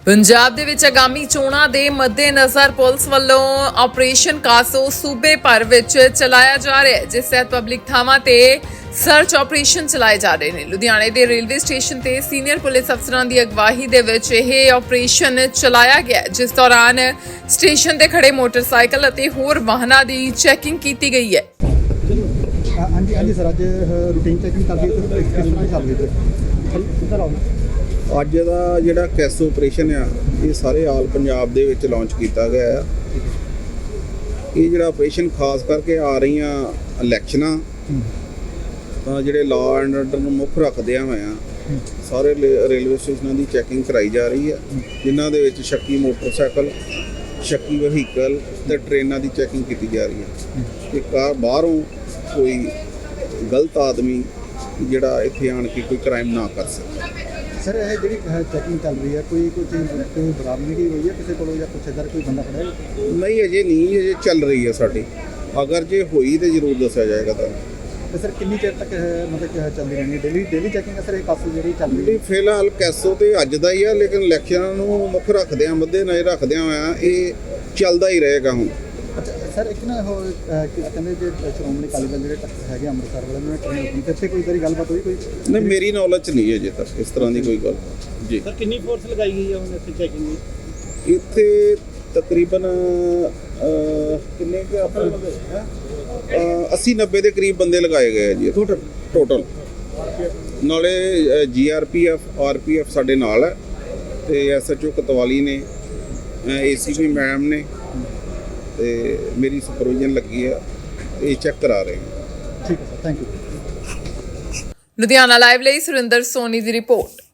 ਪੰਜਾਬ ਦੇ ਵਿੱਚ ਆਗਾਮੀ ਚੋਣਾਂ ਦੇ ਮੱਦੇਨਜ਼ਰ ਪੁਲਿਸ ਵੱਲੋਂ ਆਪਰੇਸ਼ਨ ਕਾਸੋ ਸੂਬੇ ਭਰ ਵਿੱਚ ਚਲਾਇਆ ਜਾ ਰਿਹਾ ਹੈ, ਜਿਸ ਤਹਿਤ ਪਬਲਿਕ ਥਾਵਾਂ ਤੇ ਸਰਚ ਆਪਰੇਸ਼ਨ ਚਲਾਏ ਜਾ ਰਹੇ ਨੇ। ਲੁਧਿਆਣੇ ਦੇ ਰੇਲਵੇ ਸਟੇਸ਼ਨ ਤੇ ਸੀਨੀਅਰ ਪੁਲਿਸ ਅਫਸਰਾਂ ਦੀ ਅਗਵਾਈ ਦੇ ਵਿੱਚ ਇਹ ਆਪਰੇਸ਼ਨ ਚਲਾਇਆ ਗਿਆ, ਜਿਸ ਦੌਰਾਨ ਸਟੇਸ਼ਨ ਤੇ ਖੜੇ ਮੋਟਰਸਾਈਕਲ ਅਤੇ ਹੋਰ ਵਾਹਨਾਂ ਦੀ ਚੈਕਿੰਗ ਕੀਤੀ ਗਈ ਹੈ। ਹਾਂਜੀ ਸਰ, ਅੱਜ ਰੂਟੀਨ ਚੈਕਿੰਗ ਕਰਦੇ ਤੇ ਕਿਸ ਤਰ੍ਹਾਂ ਚੱਲ ਰਹੀ ਹੈ? ਕਿੱਧਰ ਆਉਣਾ? ਅੱਜ ਦਾ ਜਿਹੜਾ ਕੈਸ ਆਪਰੇਸ਼ਨ ਆ ਇਹ ਸਾਰੇ ਆਲ ਪੰਜਾਬ ਦੇ ਵਿੱਚ ਲਾਂਚ ਕੀਤਾ ਗਿਆ ਆ। ਇਹ ਜਿਹੜਾ ਆਪਰੇਸ਼ਨ ਖਾਸ ਕਰਕੇ ਆ ਰਹੀਆਂ ਇਲੈਕਸ਼ਨਾਂ ਤਾਂ ਜਿਹੜੇ ਲਾਅ ਐਂਡ ਆਰਡਰ ਨੂੰ ਮੁੱਖ ਰੱਖਦਿਆਂ ਹੋਇਆ ਸਾਰੇ ਰੇਲਵੇ ਸਟੇਸ਼ਨਾਂ ਦੀ ਚੈਕਿੰਗ ਕਰਾਈ ਜਾ ਰਹੀ ਹੈ, ਜਿਨ੍ਹਾਂ ਦੇ ਵਿੱਚ ਸ਼ੱਕੀ ਮੋਟਰਸਾਈਕਲ, ਸ਼ੱਕੀ ਵਹੀਕਲ ਤੇ ਟ੍ਰੇਨਾਂ ਦੀ ਚੈਕਿੰਗ ਕੀਤੀ ਜਾ ਰਹੀ ਹੈ ਕਿ ਬਾਹਰੋਂ ਕੋਈ ਗਲਤ ਆਦਮੀ ਜਿਹੜਾ ਇੱਥੇ ਆਣ ਕੇ ਕੋਈ ਕ੍ਰਾਈਮ ਨਾ ਕਰ ਸਕੇ। ਸਰ, ਇਹ ਜਿਹੜੀ ਚੈਕਿੰਗ ਚੱਲ ਰਹੀ ਹੈ ਕੋਈ ਬਰਾਮਦਗੀ ਹੋਈ ਹੈ ਕਿਸੇ ਕੋਲੋਂ ਜਾਂ ਕੁਛ ਇੱਧਰ ਕੋਈ ਬੰਦਾ ਫੜਿਆ? ਨਹੀਂ, ਅਜੇ ਚੱਲ ਰਹੀ ਹੈ ਸਾਡੀ। ਅਗਰ ਜੇ ਹੋਈ ਤੇ ਜ਼ਰੂਰ ਦੱਸਿਆ ਜਾਏਗਾ ਤੁਹਾਨੂੰ। ਤੇ ਸਰ ਕਿੰਨੀ ਚਿਰ ਤੱਕ ਮਤਲਬ ਚੱਲਦੀ ਰਹਿਣੀ ਡੇਲੀ ਚੈਕਿੰਗ? ਸਰ ਇਹ ਕਾਸੂ ਜਿਹੜੀ ਚੱਲ ਰਹੀ ਹੈ ਫਿਲਹਾਲ ਕੈਸੋ ਤੇ ਅੱਜ ਦਾ ਹੀ ਆ, ਲੇਕਿਨ ਇਲੈਕਸ਼ਨਾਂ ਨੂੰ ਮੁੱਖ ਰੱਖਦਿਆਂ ਮੱਦੇਨਜ਼ਰ ਰੱਖਦਿਆਂ ਹੋਇਆ ਇਹ ਚੱਲਦਾ ਹੀ ਰਹੇਗਾ ਹੁਣ। ਅੱਛਾ ਸਰ, ਇੱਕ ਨਾ ਉਹ ਕਹਿੰਦੇ ਜੇ ਸ਼੍ਰੋਮਣੀ ਅਕਾਲੀ ਦਲ ਜਿਹੜੇ ਟੱਕਰ ਹੈਗੇ ਅੰਮ੍ਰਿਤਸਰ ਵਾਲੇ ਉਹਨਾਂ ਨੇ ਟ੍ਰੇਨ ਰੋਕੀ ਤੇ ਇੱਥੇ ਕੋਈ ਤੇਰੀ ਗੱਲਬਾਤ ਹੋਈ ਕੋਈ? ਨਹੀਂ, ਮੇਰੀ ਨੌਲੇਜ 'ਚ ਨਹੀਂ ਅਜੇ ਤੱਕ ਇਸ ਤਰ੍ਹਾਂ ਦੀ ਕੋਈ ਗੱਲ ਜੀ। ਸਰ ਕਿੰਨੀ ਫੋਰਸ ਲਗਾਈ ਗਈ ਹੈ ਹੁਣ ਇੱਥੇ ਚੈਕਿੰਗ ਦੀ? ਇੱਥੇ ਤਕਰੀਬਨ ਕਿੰਨੇ ਕੁ ਆਪਣੇ 80-90 ਦੇ ਕਰੀਬ ਬੰਦੇ ਲਗਾਏ ਗਏ ਆ ਜੀ ਟੋਟਲ। ਨਾਲੇ GRPF RPF ਸਾਡੇ ਨਾਲ ਹੈ ਤੇ SHO ਕਤਵਾਲੀ ਨੇ, ACP ਮੈਮ ਨੇ ਤੇ ਮੇਰੀ ਸੁਪਰਵਿਜ਼ਨ ਲੱਗੀ ਆ, ਇਹ ਚੈੱਕ ਕਰਾ ਰਹੇ ਹਾਂ। ਠੀਕ ਹੈ sir, thank you. Ludhiana live ਲਈ ਸੁਰਿੰਦਰ ਸੋਨੀ ਦੀ ਰਿਪੋਰਟ।